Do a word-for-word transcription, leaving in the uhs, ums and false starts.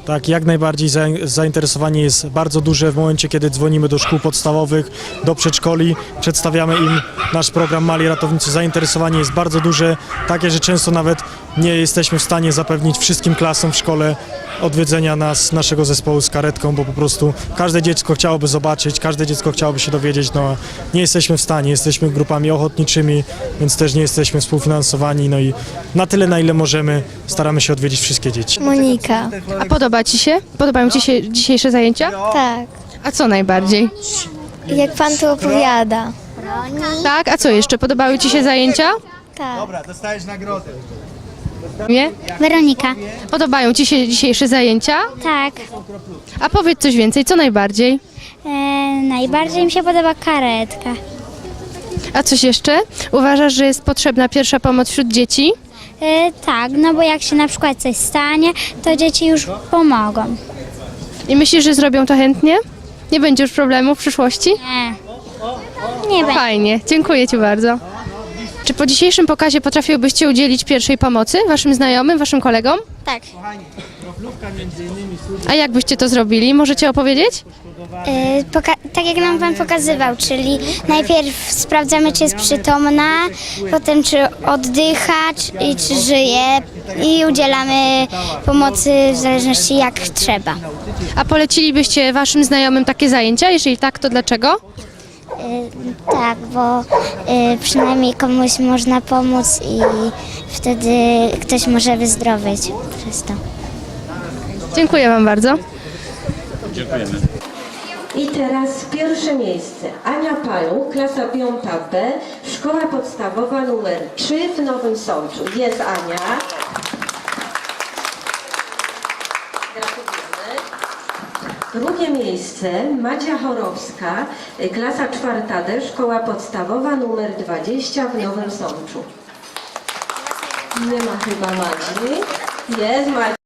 Tak, jak najbardziej zainteresowanie jest bardzo duże w momencie, kiedy dzwonimy do szkół podstawowych, do przedszkoli, przedstawiamy im nasz program Mali Ratownicy. Zainteresowanie jest bardzo duże, takie, że często nawet nie jesteśmy w stanie zapewnić wszystkim klasom w szkole odwiedzenia nas, naszego zespołu z karetką, bo po prostu każde dziecko chciałoby zobaczyć, każde dziecko chciałoby się dowiedzieć, no nie jesteśmy w stanie, jesteśmy grupami ochotniczymi, więc też nie jesteśmy współfinansowani, no i na tyle, na ile możemy, staramy się odwiedzić wszystkie dzieci. Monika. A podoba Ci się? Podobają Ci się dzisiejsze zajęcia? Tak. A co najbardziej? Jak pan tu opowiada. Tak, a co jeszcze? Podobały Ci się zajęcia? Tak. Dostajesz nagrodę. Nie? Weronika. Podobają Ci się dzisiejsze zajęcia? Tak. A powiedz coś więcej, co najbardziej? E, najbardziej mi się podoba karetka. A coś jeszcze? Uważasz, że jest potrzebna pierwsza pomoc wśród dzieci? E, tak, no bo jak się na przykład coś stanie, to dzieci już pomogą. I myślisz, że zrobią to chętnie? Nie będzie już problemu w przyszłości? Nie. Nie będzie. Fajnie, dziękuję Ci bardzo. Czy po dzisiejszym pokazie potrafiłbyście udzielić pierwszej pomocy Waszym znajomym, Waszym kolegom? Tak. A jak byście to zrobili? Możecie opowiedzieć? E, poka- tak jak nam pan pokazywał, czyli najpierw sprawdzamy, czy jest przytomna, potem czy oddycha, czy, i czy żyje i udzielamy pomocy w zależności jak trzeba. A polecilibyście Waszym znajomym takie zajęcia? Jeżeli tak, to dlaczego? Tak, bo przynajmniej komuś można pomóc i wtedy ktoś może wyzdrowieć przez to. Dziękuję Wam bardzo. I teraz pierwsze miejsce. Ania Paluch, klasa piąta B, szkoła podstawowa numer trzy w Nowym Sączu. Jest Ania. Gratulujemy. Drugie miejsce Madzia Chorowska, klasa czwarta D, szkoła podstawowa numer dwadzieścia w Nowym Sączu. Nie ma chyba Madzi. Jest Madzia.